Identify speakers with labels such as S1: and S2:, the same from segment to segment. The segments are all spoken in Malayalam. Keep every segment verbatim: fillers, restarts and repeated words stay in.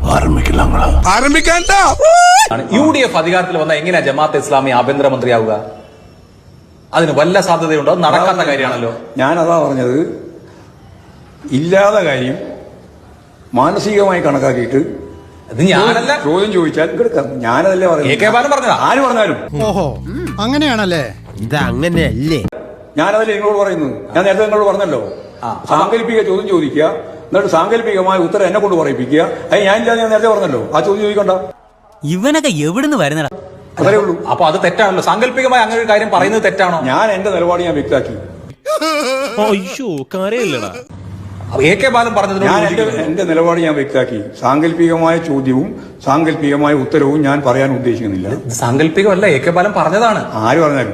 S1: യു ഡി എഫ് അധികാരത്തിൽ വന്ന എങ്ങനെയാ ജമാഅത്തെ ഇസ്ലാമി ആഭ്യന്തരമന്ത്രിയാവുക? അതിന് വല്ല സാധ്യതയുണ്ടോ? അത് നടക്കാത്ത കാര്യമാണല്ലോ.
S2: ഞാനതാ പറഞ്ഞത്, ഇല്ലാത്ത കാര്യം മാനസികമായി കണക്കാക്കിയിട്ട്
S1: ഞാനല്ല
S2: ചോദ്യം ചോദിച്ചാൽ എടുക്കാം. ഞാനതല്ലേ
S1: പറഞ്ഞത്.
S2: ആര് പറഞ്ഞാലും
S3: ഓഹോ അങ്ങനെയാണല്ലേ?
S4: ഇത് അങ്ങനെയല്ലേ?
S2: ഞാനതല്ലേ നിങ്ങളോട് പറയുന്നത്. ഞാൻ നേരത്തെ നിങ്ങളോട് പറഞ്ഞല്ലോ, സാങ്കല്പിക ചോദ്യം ചോദിക്കുക, എന്നിട്ട് സാങ്കല്പികമായ ഉത്തരം എന്നെ കൊണ്ട് പറയിപ്പിക്കുക. അത് ഞാൻ ഞാൻ നേരത്തെ പറഞ്ഞല്ലോ, ആ ചോദ്യം ചോദിക്കണ്ട.
S5: ഇവനൊക്കെ എവിടുന്ന് വരുന്നടാ?
S2: അതേ ഉള്ളൂ.
S1: അപ്പൊ അത് തെറ്റാണല്ലോ. സാങ്കല്പികമായി അങ്ങനെ ഒരു കാര്യം പറയുന്നത് തെറ്റാണോ?
S2: ഞാൻ എന്റെ നിലപാട് ഞാൻ വ്യക്തമാക്കി.
S1: എ കെ ബാലൻ പറഞ്ഞത്
S2: ഞാൻ എന്റെ നിലപാട് ഞാൻ വ്യക്തമാക്കി. സാങ്കല്പികമായ ചോദ്യവും സാങ്കല്പികമായ ഉത്തരവും ഞാൻ പറയാൻ ഉദ്ദേശിക്കുന്നില്ല.
S1: സാങ്കല്പികമല്ല, എ കെ ബാലൻ പറഞ്ഞതാണ്.
S2: ആര് പറഞ്ഞാലും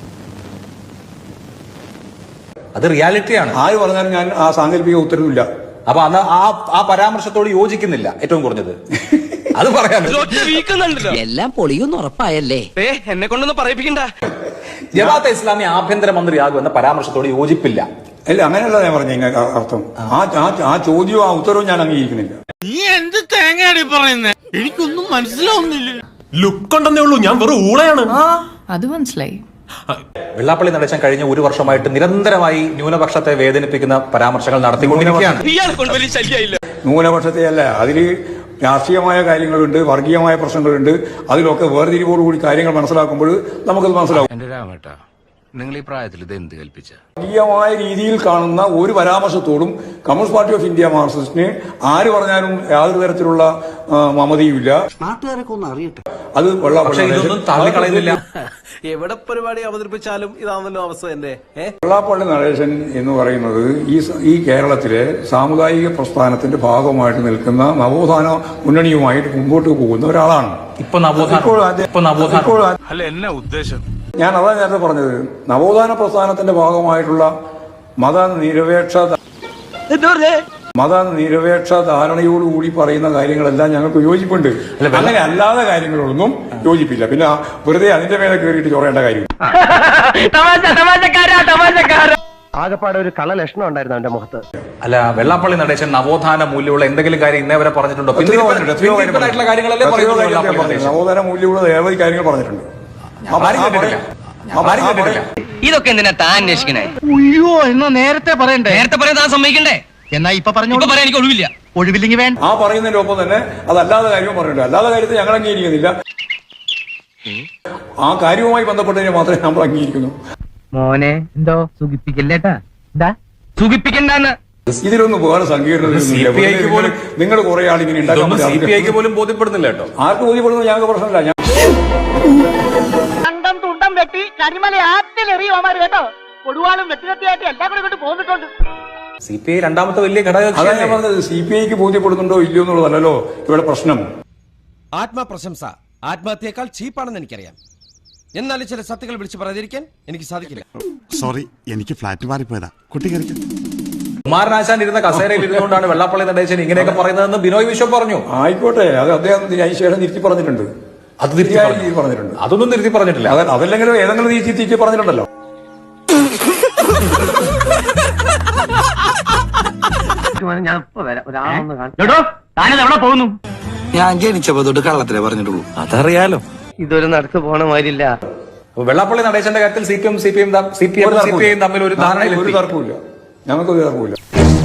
S1: അത് റിയാലിറ്റിയാണ്.
S2: ആര് പറഞ്ഞാലും ഞാൻ ആ സാങ്കല്പിക ഉത്തരവില്ല.
S1: അപ്പൊ അന്ന് ആ ആ പരാമർശത്തോട് യോജിക്കുന്നില്ല ഏറ്റവും കുറഞ്ഞത്. അത് പറയാൻ
S5: എല്ലാം പൊളിയൊന്നും ഉറപ്പായല്ലേ?
S4: എന്നെ കൊണ്ടൊന്നും പറയിപ്പിക്കണ്ട.
S1: ജമാഅത്തെ ഇസ്ലാമി ആഭ്യന്തരമന്ത്രിയാകുമെന്ന പരാമർശത്തോട് യോജിപ്പില്ല.
S2: അല്ല, അങ്ങനെയല്ല ഞാൻ പറഞ്ഞ അർത്ഥം. ആ ആ ചോദ്യവും ആ ഉത്തരവും ഞാൻ അംഗീകരിക്കുന്നില്ല.
S3: നീ എന്ത് തേങ്ങയാടി പറയുന്നേ? എനിക്കൊന്നും മനസ്സിലാവുന്നില്ല.
S6: ലുക്ക് ഉണ്ടെന്നേ ഉള്ളൂ, ഞാൻ വെറും ഊളയാണ്.
S7: അത് മനസ്സിലായി.
S1: വെള്ളാപ്പള്ളി നടേശൻ കഴിഞ്ഞ ഒരു വർഷമായിട്ട് നിരന്തരമായി ന്യൂനപക്ഷത്തെ വേദനിപ്പിക്കുന്ന പരാമർശങ്ങൾ നടത്തിക്കൊണ്ടിരിക്കുകയാണ്.
S2: ന്യൂനപക്ഷത്തെ അല്ല, അതില് രാഷ്ട്രീയമായ കാര്യങ്ങളുണ്ട്, വർഗീയമായ പ്രശ്നങ്ങളുണ്ട്. അതിലൊക്കെ വേർതിരിവോടുകൂടി കാര്യങ്ങൾ മനസ്സിലാക്കുമ്പോൾ നമുക്കത് മനസ്സിലാവും.
S4: നിങ്ങൾ ഈ പ്രായത്തിൽ ഇത് എന്ത് കൽപ്പിച്ച?
S2: വർഗീയമായ രീതിയിൽ കാണുന്ന ഒരു പരാമർശത്തോടും കമ്മ്യൂണിസ്റ്റ് പാർട്ടി ഓഫ് ഇന്ത്യ മാർക്സിസ്റ്റിന് ആര് പറഞ്ഞാലും യാതൊരു തരത്തിലുള്ള മമതിയുമില്ല.
S5: നാട്ടുകാരൊക്കെ ഒന്ന് അറിയട്ടെ.
S2: അത്
S1: ഇതൊന്നും തള്ളിക്കളയുന്നില്ല.
S4: എവിടെ പരിപാടി അവതരിപ്പിച്ചാലും ഇതാണല്ലോ അവസ്ഥ. എന്റെ
S2: വെള്ളാപ്പള്ളി നടേശൻ എന്ന് പറയുന്നത് ഈ ഈ കേരളത്തിലെ സാമുദായിക പ്രസ്ഥാനത്തിന്റെ ഭാഗമായിട്ട് നിൽക്കുന്ന നവോത്ഥാന മുന്നണിയുമായിട്ട് മുമ്പോട്ട് പോകുന്ന ഒരാളാണ്.
S1: ഇപ്പൊ നവോത്ഥാനം
S6: അല്ല, എന്നാ ഉദ്ദേശം?
S2: ഞാൻ അതാ നേരത്തെ പറഞ്ഞത്, നവോത്ഥാന പ്രസ്ഥാനത്തിന്റെ ഭാഗമായിട്ടുള്ള മതനിരപേക്ഷ മതനിരപേക്ഷ ധാരണയോടുകൂടി പറയുന്ന കാര്യങ്ങളെല്ലാം ഞങ്ങൾക്ക് യോജിപ്പുണ്ട്. അങ്ങനെ അല്ലാതെ കാര്യങ്ങളൊന്നും യോജിപ്പില്ല. പിന്നെ വെറുതെ അതിന്റെ മേലെ കയറിയിട്ട് ചൊറയേണ്ട കാര്യം.
S4: ആകെപ്പാടെ ഒരു കള ലക്ഷണം ഉണ്ടായിരുന്നു അവന്റെ മുഖത്ത്.
S1: അല്ല, വെള്ളാപ്പള്ളി നടേശൻ നവോത്ഥാന മൂല്യമുള്ള എന്തെങ്കിലും കാര്യം ഇന്നേ വരെ പറഞ്ഞിട്ടുണ്ടോ?
S2: നവോത്ഥാന മൂല്യമുള്ള നിരവധി കാര്യങ്ങൾ പറഞ്ഞിട്ടുണ്ട്.
S5: ഇതൊക്കെ എന്തിനാ താൻ അന്വേഷിക്കണേ?
S3: അയ്യോ, എന്നാ നേരത്തെ പറയണ്ടേ?
S5: നേരത്തെ പറയാൻ താൻ സമ്മതിക്കണ്ടേ?
S3: എന്നാ ഇപ്പൊ പറഞ്ഞു
S5: പറയാൻ എനിക്ക് ഒഴിവില്ല.
S3: ഒഴിവില്ലെങ്കിൽ വേണ്ട.
S2: ആ പറയുന്നതിന്റെ ഒപ്പം തന്നെ അതല്ലാതെ കാര്യവും പറഞ്ഞിട്ടുണ്ട്. അല്ലാതെ കാര്യത്തെ ഞങ്ങൾ അംഗീകരിക്കുന്നില്ല. ആ കാര്യവുമായി ബന്ധപ്പെട്ടതിനെ മാത്രമേ നമ്മൾ അംഗീകരിക്കുന്നു.
S5: മോനെ എന്തോ സുഖിപ്പിക്കല്ലേട്ടാ? സുഖിപ്പിക്കണ്ടെന്ന്
S2: ഇതിലൊന്നും വേറെ സങ്കീർണത നിങ്ങൾ കുറെ ആളിങ്ങനെ
S1: ഉണ്ടാക്കാൻ പോലും ബോധ്യപ്പെടുന്നില്ല കേട്ടോ.
S2: ആർക്ക് ബോധ്യപ്പെടുന്നത് ഞങ്ങൾക്ക് പ്രശ്നമില്ല. ഞാൻ
S8: കണ്ടം തുണ്ടം വെട്ടി കരിമല ആറ്റിലെറിയുമാര് കേട്ടോ. കൊടുവാളും വെട്ടികത്തിയായിട്ട് എല്ലാം കൂടെ ഇങ്ങോട്ട് പോന്നിട്ടുണ്ട്.
S1: സി പി ഐ രണ്ടാമത്തെ വലിയ ഘടകം.
S2: അതാണ് ഞാൻ പറഞ്ഞത്, സി പി ഐക്ക് ബോധ്യപ്പെടുന്നുണ്ടോ ഇല്ലയോ എന്നുള്ളതല്ലോ ഇവിടെ പ്രശ്നം.
S4: ആത്മപ്രശംസ ആത്മഹത്യയേക്കാൾ ചീപ്പാണെന്ന് എനിക്കറിയാം. എന്നാലും ചില സത്യങ്ങൾ വിളിച്ചു പറയാതിരിക്കാൻ എനിക്ക് സാധിക്കില്ല.
S6: സോറി, എനിക്ക് ഫ്ലാറ്റ് മാറിപ്പോയതാ. കുട്ടി കയറിക്കും.
S1: കുമാരനാശാൻ ഇരുന്ന കസേരയിൽ ഇരുന്നുകൊണ്ടാണ് വെള്ളാപ്പള്ളി നടേശൻ ഇങ്ങനെയൊക്കെ പറയുന്നതെന്ന് ബിനോയ് വിശ്വം പറഞ്ഞു.
S2: ആയിക്കോട്ടെ, അത് അദ്ദേഹം അതിന് ശേഷം തിരുത്തി പറഞ്ഞിട്ടുണ്ട്.
S1: അത് തിരുത്തി പറഞ്ഞിട്ടുണ്ട്. അതൊന്നും തിരുത്തി പറഞ്ഞിട്ടില്ല.
S2: അതല്ലെങ്കിലും ഏതെങ്കിലും തിരിച്ച് തിരിച്ച് പറഞ്ഞിട്ടുണ്ടല്ലോ.
S5: ഞാൻ ജനിച്ചപ്പോ തൊട്ട് കള്ളത്തിലേ പറഞ്ഞിട്ടുള്ളൂ. അതറിയാലോ. ഇതൊരു നടക്ക് പോണ മാതിരില്ല.
S1: വെള്ളാപ്പള്ളി നടേശന്റെ കാര്യത്തിൽ C P M C P M C P M C P I തമ്മിൽ ഒരു ധാരണയിൽ
S2: ഒരു തർക്കമില്ല. ഞങ്ങൾക്ക് ഒരു തർക്കമില്ല.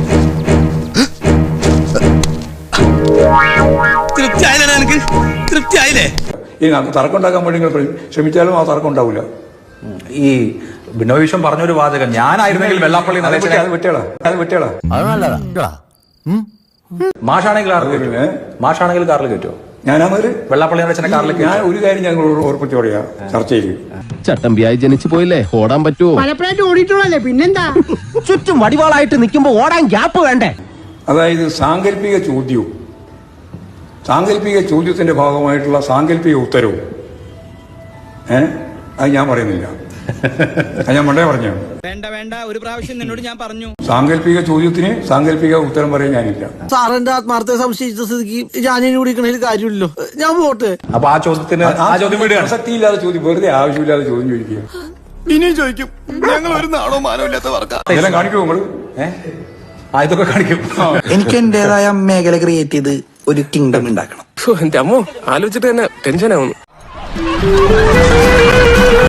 S2: ഈ തർക്കം ഉണ്ടാക്കാൻ വേണ്ടി നിങ്ങൾ ശ്രമിച്ചാലും ആ തർക്കം ഉണ്ടാവില്ല.
S1: ഈ ബിനോയ് വിശ്വം പറഞ്ഞൊരു വാചകം, ഞാനായിരുന്നെങ്കിൽ വെള്ളാപ്പള്ളി നടേശനെ
S2: അത് വെട്ടേളാ അത് വെട്ടേളാ
S4: അത് നല്ലതാ.
S1: മാഷാണെങ്കിൽ മാഷാണെങ്കിൽ കാറിൽ കയറ്റുമോ?
S2: ഞാനൊരു
S1: വെള്ളാപ്പള്ളി നടേശനെ കാറിൽ
S2: ഞാൻ ഒരു കാര്യം ഞങ്ങൾ ഓർപ്പിച്ചു പറയാ ചർച്ചയിൽ.
S9: ചട്ടമ്പിയായി ജനിച്ചു പോയില്ലേ, ഓടാൻ പറ്റുമോ?
S8: പലപ്പോഴായിട്ട് ഓടിയിട്ടുള്ളല്ലേ, പിന്നെന്താ?
S5: ചുറ്റും വടിവാളായിട്ട് നിൽക്കുമ്പോ ഓടാൻ ഗ്യാപ്പ് വേണ്ടേ?
S2: അതായത് സാങ്കല്പിക ചോദ്യവും സാങ്കല്പിക ചോദ്യത്തിന്റെ ഭാഗമായിട്ടുള്ള സാങ്കല്പിക ഉത്തരവും ഏഹ് അത് ഞാൻ പറയുന്നില്ല. അത് ഞാൻ മണ്ടേ പറഞ്ഞു.
S5: വേണ്ട വേണ്ട, ഒരു പ്രാവശ്യം നിന്നോട് ഞാൻ പറഞ്ഞു.
S2: സാങ്കല്പിക ചോദ്യത്തിന് സാങ്കല്പിക ഉത്തരം പറയാൻ ഞാനില്ല.
S5: സാറിന്റെ ആത്മാർത്ഥ സംശയിച്ച സ്ഥിതിക്ക് ഞാനിനി കുടിക്കണതിൽ കാര്യമില്ലല്ലോ, ഞാൻ പോട്ടെ.
S1: അപ്പൊ ആ ചോദ്യത്തിന്
S2: പ്രസക്തിയില്ലാതെ ചോദ്യം, വെറുതെ ആവശ്യമില്ലാതെ ചോദ്യം ചോദിക്കുക.
S4: ഇനിയും ചോദിക്കും. ഞങ്ങൾ ഒരു നാണോ മാനോ ഇല്ലാത്ത വർക്കാ.
S2: ഇതെല്ലാം കാണിക്കുമോ നമ്മള്?
S1: ഇതൊക്കെ കാണിക്കും.
S5: എനിക്ക് എന്റേതായ മേഖല ക്രിയേറ്റ് ചെയ്ത് ഒരു കിങ്ഡം ഉണ്ടാക്കണം.
S7: എന്റെ അമ്മോ ആലോചിച്ചിട്ട് തന്നെ ടെൻഷൻ ആവുന്നു.